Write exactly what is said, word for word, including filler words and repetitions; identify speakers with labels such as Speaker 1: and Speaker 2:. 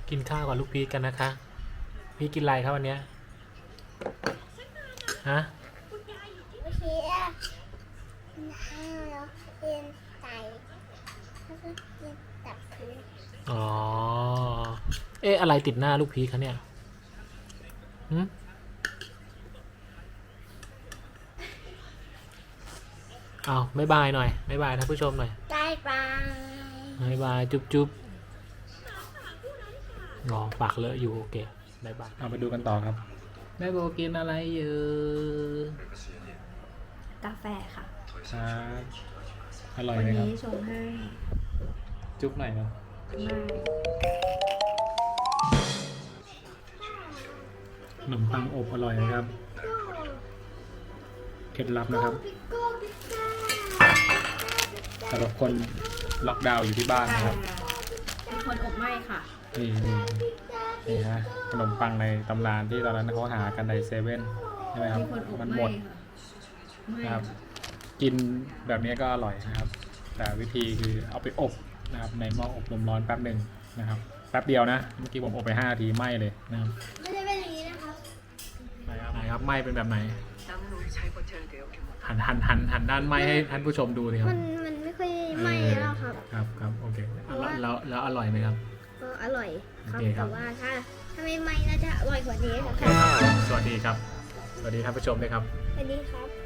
Speaker 1: กินข้าวกับลูกพีชกันนะคะพี่กินอะไรครับวันเนี้ยฮะ
Speaker 2: โอเคอ่ะกินข้าวแล้วกินไก่แล้วก็กินตับพื้น
Speaker 1: อ๋อเอ๊ะอะไรติดหน้าลูกพีชคะเนี่ยหืมเอาบ๊ายบายหน่อยบ๊ายบายท่านผู้ชมหน่อย
Speaker 2: บายบาย
Speaker 1: บ๊ายบายจุ๊บจุ๊บรอปากเลอะอยู่โอเคบ๊ายบายเอาไปดูกันต่อครับแม่โบกินอะไรอยู่
Speaker 3: กาแฟค่ะ
Speaker 1: ครับอร่อย
Speaker 3: วัน
Speaker 1: ไหมครับ
Speaker 3: นี้ชงให้
Speaker 1: จุ๊บหน่อยครับขนมปังอบอร่อยนะครับเคล็ดลับนะครับสำหรับคนล็อกดาวน์อยู่ที่บ้านนะครับ
Speaker 3: เป็นคนอบไหม้ค่ะ
Speaker 1: นี่นี่นี่ฮะขนมปังในตำนานที่ตอนนั้นเขาหากันในเซเว่นใช่ไหมครับมันหมดนะครับกินแบบนี้ก็อร่อยนะครับแต่วิธีคือเอาไปอบนะครับในหม้ออบลมร้อนแป๊บหนึ่งนะครับแป๊บเดียวนะเมื่อกี้ผมอบไปห้านาทีไหม้เลยนะครับ
Speaker 2: ไม่ได้เป็นอย่างนี้นะครับ
Speaker 1: ไหนครับไหนครับไหม้เป็นแบบไหนหันหันหันหันด้านไหม้ให้ท่านผู้ชมดูสิครับ
Speaker 2: มันมันไม่ค่อยไหม้แล้วครับ
Speaker 1: ครับครับโอเคแล้วแล้วอร่อยไหมครับ
Speaker 2: ก็อร่อยครับแต่ว่าถ้าถ้าไม่ไหม้น่าจะอร่อยกว่านี้ครับ
Speaker 1: สวัสดีครับสวัสดีท่านผู้ชมด้วยครับ
Speaker 2: สวัสดีครับ